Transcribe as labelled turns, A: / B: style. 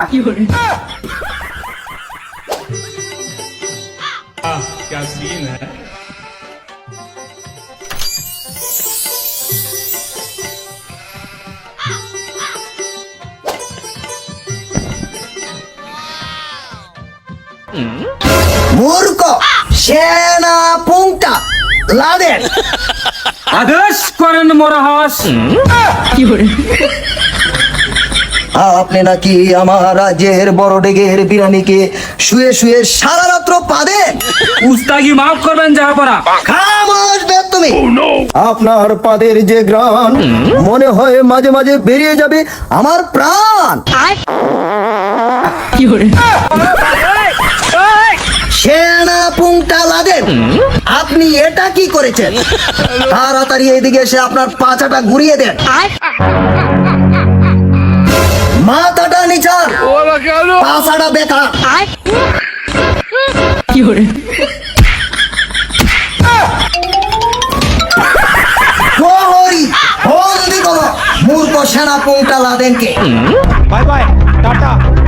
A: क्या सीन है।
B: মূর্খ সেনা পুংটা লাদেন
A: আদেশ করেন মরহাস।
B: আপনি নাকি আমার রাজ্যের বড় ডেগের বিরানিকে শুয়ে শুয়ে সারা রাত্র পাদেন।
A: উস্তাগি মাফ করবেন জাহাপনা।
B: খামোশ তুমি। আপনার পাদের যে গ্রান মনে হয় মাঝে মাঝে বেরিয়ে যাবে আমার প্রাণ। সেনা পুংটা লাদেন আপনি এটা কি করেছেন? তাড়াতাড়ি এইদিকে এসে আপনার পাছাটা ঘুরিয়ে দেন। মাথাটা নিচান, পাছাটা বেকার। প্রহরী বন্দি করো মূর্খ সেনা পুংটা লাদেনকে।
C: Bye bye Tata.